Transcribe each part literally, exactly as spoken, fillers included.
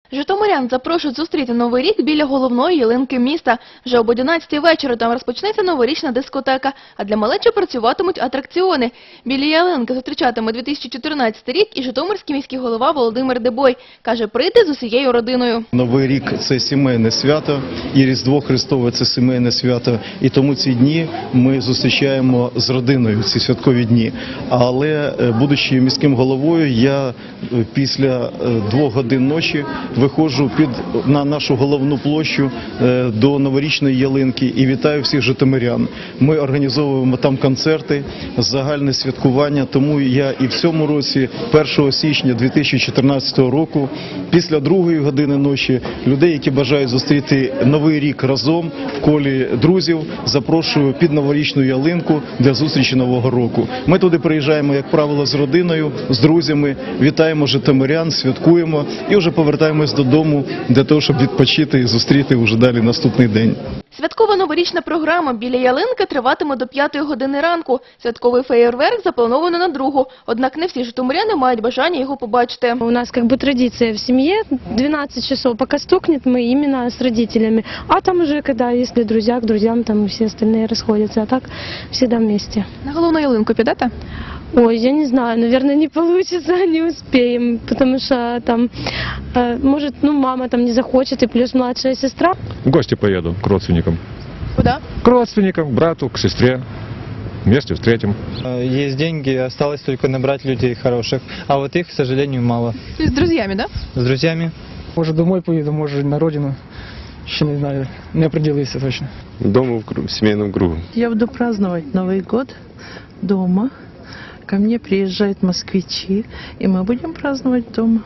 Житомирян запрошують зустріти Новий рік біля головної ялинки міста. Вже об одинадцятій вечора там розпочнеться новорічна дискотека, а для малечі працюватимуть атракціони. Біля ялинки зустрічатиме дві тисячі чотирнадцятий рік і житомирський міський голова Володимир Дебой. Каже, прийти з усією родиною. Новий рік – це сімейне свято, і Різдво Христове – це сімейне свято. І тому ці дні ми зустрічаємо з родиною, ці святкові дні. Але, будучи міським головою, я після двох годин ночі виходжу під, на нашу головну площу до новорічної ялинки і вітаю всіх житомирян. Ми організовуємо там концерти, загальне святкування, тому я і в цьому році, першого січня дві тисячі чотирнадцятого року, після другої години ночі, людей, які бажають зустріти Новий рік разом в колі друзів, запрошую під новорічну ялинку для зустрічі Нового року. Ми туди приїжджаємо, як правило, з родиною, з друзями, вітаємо житомирян, святкуємо і вже повертаємось додому для того, щоб відпочити і зустріти вже далі наступний день. Святкова новорічна програма біля ялинки триватиме до п'ятої години ранку. Святковий феєрверк заплановано на другу. Однак не всі житомиряни мають бажання його побачити. У нас как бы традиция в семье двенадцать часов, пока стукнет, мы именно с родителями. А там уже, когда, если друзья к друзьям, там все остальные расходятся. А так всегда вместе. На головну ялинку підете? Ой, я не знаю, наверное, не получится, не успеем, потому что там, э, может, ну, мама там не захочет, и плюс младшая сестра. В гости поеду к родственникам. Куда? К родственникам, к брату, к сестре. Вместе встретим. Есть деньги, осталось только набрать людей хороших, а вот их, к сожалению, мало. То есть с друзьями, да? С друзьями. Може домой поїду, може на родину. Ще не знаю, не определився точно. Дома в, круг, в семейном кругу. Я буду праздновать Новый год дома. Ко мне приезжают москвичи, и мы будем праздновать дома.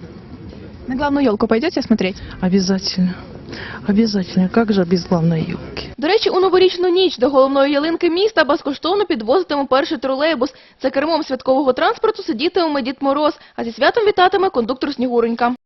На главную елку пойдете смотреть? Обязательно. Обязательно. Как же без главной елки? До речі, у новорічну ніч до головної ялинки міста безкоштовно підвозитиме перший тролейбус. За кермом святкового транспорту сидітиме Дід Мороз, а зі святом вітатиме кондуктор Снігуронька.